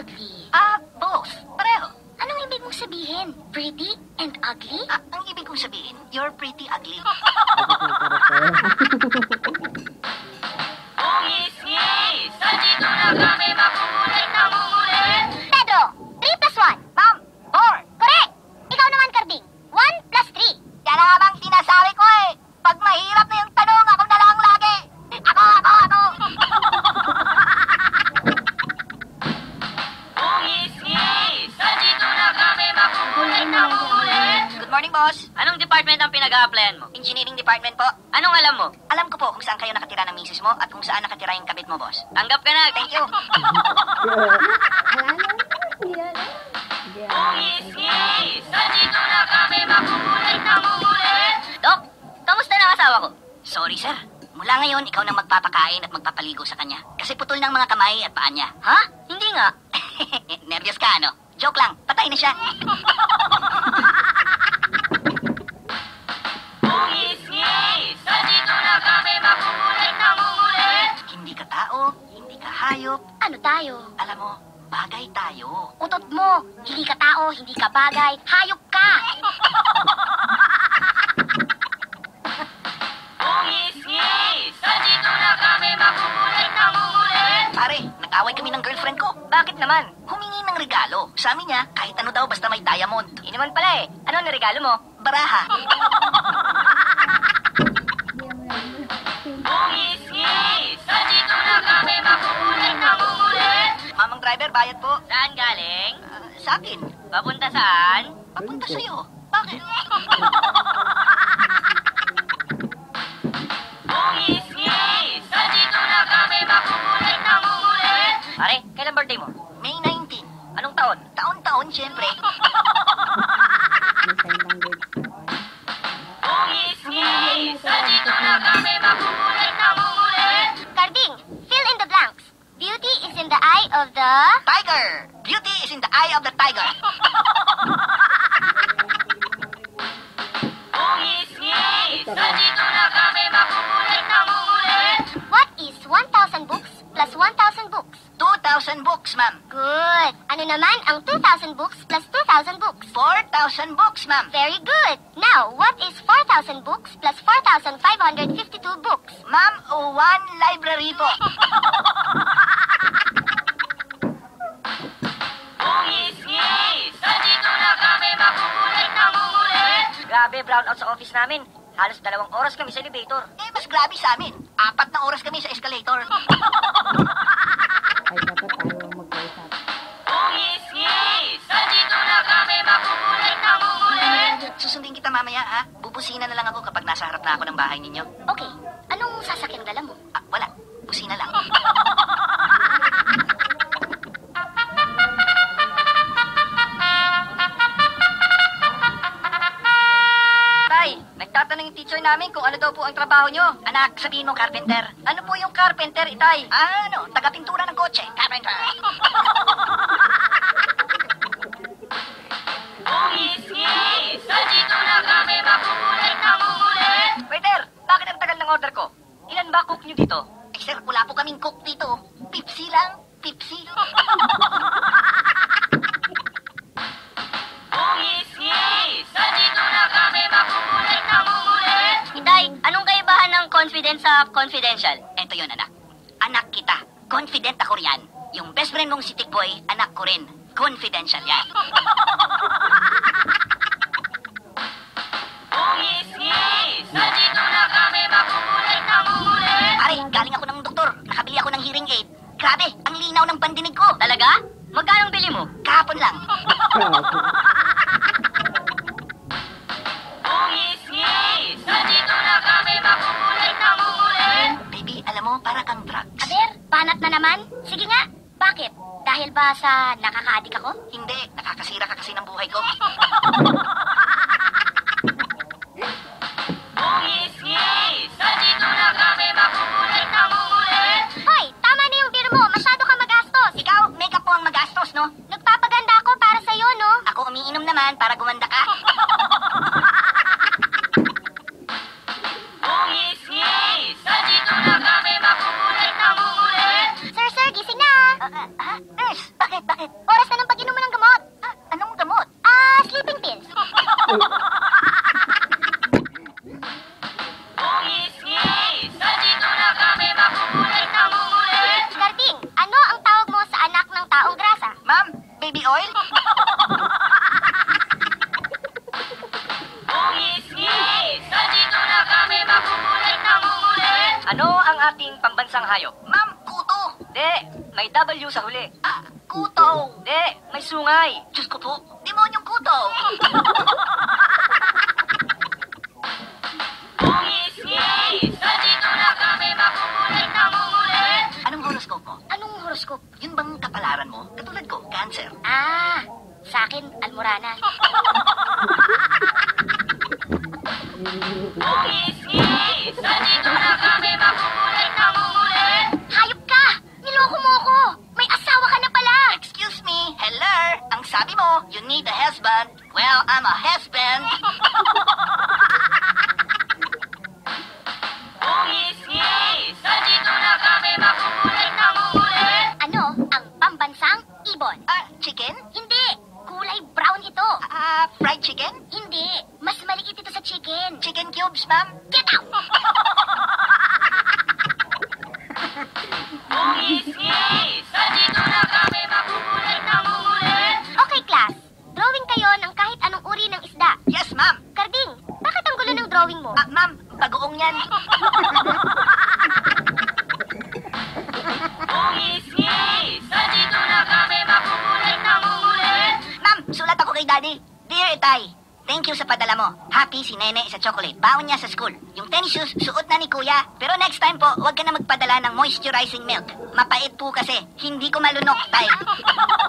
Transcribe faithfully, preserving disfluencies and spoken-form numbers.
ugly? Ah, both. Pareho. Anong ibig mong sabihin? Pretty and ugly? Ah, ang ibig kong sabihin, you're pretty ugly. Ngis-ngis! Nandito na kami makukulit na ngulit! Pedro, three plus one. Ma'am, four. Correct! Ikaw naman, Carding. one plus three. Yan na nga bang sinasabi ko eh. Pag mahirap na yung tanong, ako na lang lagi. Ako, ako, ako. Ngis-ngis! Nandito na kami makukulit na ngulit! Good morning, boss. Anong department ang pinag-a-applyan mo? Engineering department po. Anong alam mo? Alam ko po kung saan kayo nakatira ng misis mo at kung saan nakatira yung kabit mo, boss. Tanggap ka na! Thank you. Ngis-ngis! Nandito na kami makukulit na ngulit! Dok, kamusta na ang asawa ko? Sorry, sir. Mula ngayon, ikaw nang magpapakain at magpapaligo sa kanya. Kasi putol ng mga kamay at paa niya. Ha? Hindi nga. Nervyos ka, ano? Joke lang. Patay na siya. Ngis-ngis! Nandito na kami makukulit na ngulit! Hindi ka tao, hindi ka hayop. Ano tayo? Alam mo, bagay tayo. Utot mo. Hindi ka tao, hindi ka bagay. Hayop ka. Ngis-ngis! Nandito na kami makukulit na ngulit! Pare, nag-away kami ng girlfriend ko. Bakit naman? Humingi ng regalo. Sabi niya, kahit ano daw basta may diamond. Yun naman pala eh. Ano ang regalo mo? Baraha. Ngis-ngis! Nandito na kami makukulit na ngulit! Mamang driver, bayad po. Saan galing? Ah, sa akin. Papunta saan? Papunta sa'yo. Bakit? Ngis-ngis! Nandito na kami makukulit na ngulit! Pare, kailan birthday mo? May nineteenth. Anong taon? Taon-taon, siyempre. Ngis-ngis! Nandito na kami makukulit na ngulit! Carding, fill in the blanks. Beauty is in the eye of the... Tiger! Beauty is in the eye of the tiger. Ngis-ngis! Nandito na kami makukulit na ngulit! What is one thousand books plus one thousand books? two thousand books, ma'am. Good. Ano naman ang two thousand books plus two thousand books? four thousand books, ma'am. Very good. Now, what is four thousand books plus four thousand five hundred fifty-two books? Ma'am, one library po. Ngis-ngis! Nandito na kami makukulit na ngulit! Grabe, brown out sa office namin. Halos dalawang oras kami sa elevator. Eh, mas grabe sa amin. Apat na oras kami sa escalator. Ay, dapat tayo magkausap. Ngis-ngis! Nandito na kami makukulit na ngulit! Susundin kita mamaya, ha? Bubusina na lang ako kapag nasa harap na ako ng bahay ninyo. Okay. Anong sasakyang dala mo? Ah, wala. Busina lang. Tay, nagtatanong yung teacher namin kung ano daw po ang trabaho nyo. Anak, sabihin mo, carpenter. Ano po yung carpenter, itay? Ah, ano? Taga-pintura ng kotse. Carpenter. Ngis-ngis! Nandito na kami makukulit na ngulit! Waiter, bakit ang tagal ng order ko? Ilan ba cook nyo dito? Eh, sir, wala po kaming cook dito. Pipsi lang. Pipsi. Ngis-ngis! Nandito na kami makukulit na ngulit! Itay, anong kaibahan ng confident sa confidential? Ito yun, anak. Anak kita. Confident ako riyan. Yung best friend mong si Tikboy, anak ko rin. Confidential yan. Ngis-ngis! Nandito na kami makukulit na ngulit! Pare, galing ako ng doktor. Nakabili ako ng hearing aid. Grabe, ang linaw ng pandinig ko. Talaga? Magkano bili mo? Kahapon lang. Ngis-ngis! Nandito na kami makukulit na ngulit! Baby, alam mo, para kang drugs. Aber, banat na naman? Sige nga. Bakit? Dahil ba sa nakaka-addict ako? Hindi, nakakasira ka kasi ng buhay ko. Ngis-ngis! Nandito na kami makukulit na ngulit! Hoy, tama na yung beer mo. Masyado ka magastos. Ikaw, makeup mo ang magastos, no? Nagpapaganda ako para sa'yo, no? Ako umiinom naman para gumanda ka. Ngis-ngis! Nandito na kami makukulit na ngulit! Sir, sir, gising na. Ah, ah, ah, nurse, bakit, bakit? pambansang hayop? Ma'am, kuto. Di, may W sa huli. Ah, kuto. Di, may sungay. Diyos ko po, demonyong kuto. Ngis-ngis! Nandito na kami makukulit na ngulit! Anong horoscope mo? Anong horoscope? Yun bang kapalaran mo? Katulad ko, cancer. Ah, sa akin, almorana. Ngis-ngis! Nandito na kami makukulit na ngulit! Hayop ka! Niloko mo ko! May asawa ka na pala! Excuse me, hello? Ang sabi mo, you need a husband. Well, I'm a husband. Ngis-ngis! Nandito na kami makukulit na ngulit! Ano ang pambansang ibon? Ah, chicken? Hindi! Kulay brown ito! Ah, fried chicken? Hindi! Mas maliit ito sa chicken! Chicken cubes, ma'am? Get out! Ngis-ngis! Nandito na kami makukulit na ngulit! Okay, class. Drawing kayo ng kahit anong uri ng isda. Yes, ma'am. Karding, bakit ang gulo ng drawing mo? Ah, ma'am, bagoong yan. Ngis-ngis! Nandito na kami makukulit na ngulit! Ma'am, sulat ako kay Daddy. Dear Itay, thank you sa padala mo. Happy si Nene sa chocolate. Baon niya sa school. Yung tennis shoes, suot na ni Kuya. Pero next time po, huwag ka na magpadala ng moisturizing milk. Mapait po kasi. Hindi ko malunok, Tay.